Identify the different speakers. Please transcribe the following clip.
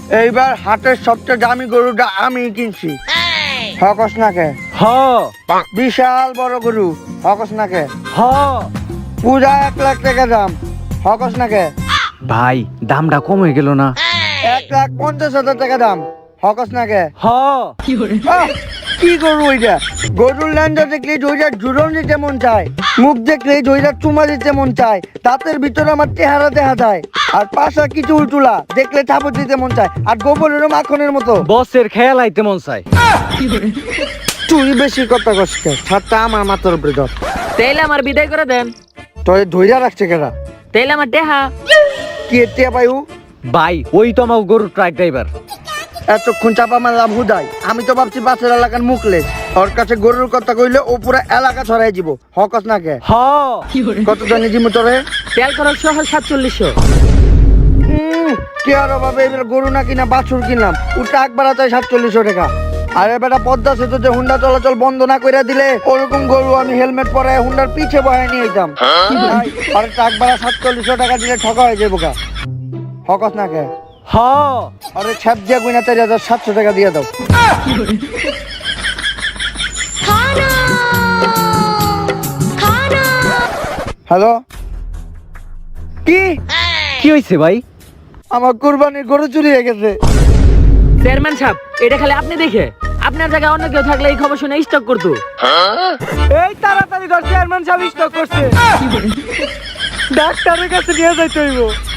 Speaker 1: এইবার হাটের সবচেয়ে দামি গরুটা আমি কিনছি। হকস নাকে
Speaker 2: হ
Speaker 1: বিশাল বড় গরু। হকস নাকে
Speaker 2: হ
Speaker 1: পুরা 1 লাখ টাকা দাম। হকস নাকে
Speaker 2: ভাই দামটা কম হয়ে গেল না?
Speaker 1: 1,50,000 টাকা দাম। হকস নাকে
Speaker 2: হ
Speaker 1: কি গরু ওইটা? গরুর ল্যান্ডা দেখলে ওইটা জুড়ন দিতে মন চায়, মুখ দেখলে ওইটা চুমা দিতে মন চায়, দাঁতের ভিতরে আমার চেহারা দেখা যায়, আর পাশা কিছু উল্টুলা দেখলে থাপড় দিতে মন চায়, আর গোবরেরও মাখনের মতো।
Speaker 2: বসের খেয়াল আইতে মন চাই।
Speaker 1: তুই বেশি কথা কষ্ট ছাড়টা আমার মাথার উপরে ধর।
Speaker 3: তাইলে আমার বিদায় করে দেন।
Speaker 1: তোর ধৈর্য রাখছে কেনা
Speaker 3: তাইলে আমার টেহা।
Speaker 1: কি এটিয়া পাইউ?
Speaker 2: ভাই ওই তো আমার গরুর ট্রাক ড্রাইভার।
Speaker 1: এতক্ষণ চাপা মারলাম হুদাই, আমি তো ভাবছি পাশের এলাকার মুখলেস। ওর কাছে গরুর কথা কইলে ও পুরো এলাকা ছড়াই দিব। হকস নাকে
Speaker 2: হ
Speaker 1: কত জানি জিমু তোরে?
Speaker 3: তেল খরচ সহ 4700।
Speaker 1: কি আর ভাবে এবার গরু না কিনা বাছুর কিনলাম, ও টাক বাড়া চাই 4700 টাকা। আরে বেটা পদ্মা সেতু যে হুন্ডা চলাচল বন্ধ না করে দিলে ওরকম গরু আমি হেলমেট পরে হুন্ডার পিছে বহায় নিয়ে যেতাম। আর টাক বাড়া 4700 টাকা দিলে ঠকা হয়ে যাবো গা। হকস নাকে
Speaker 2: হ
Speaker 1: আরে ছাপ দিয়া গুইনা 4700 টাকা দিয়ে দাও। হ্যালো, কি
Speaker 2: কি হয়েছে ভাই?
Speaker 1: আমার কুরবানির গরু চুরি হয়ে গেছে।
Speaker 3: চেয়ারম্যান সাহেব, এটা খালি আপনি দেখে, আপনার জায়গায় অন্য কেউ থাকলে এই খবর শুনে স্টক করতো।
Speaker 2: এই তাড়াতাড়ি ঘর চেয়ারম্যান সাহেব স্টক করছে, ডাক্তারের কাছে নিয়ে যাইতে হইব।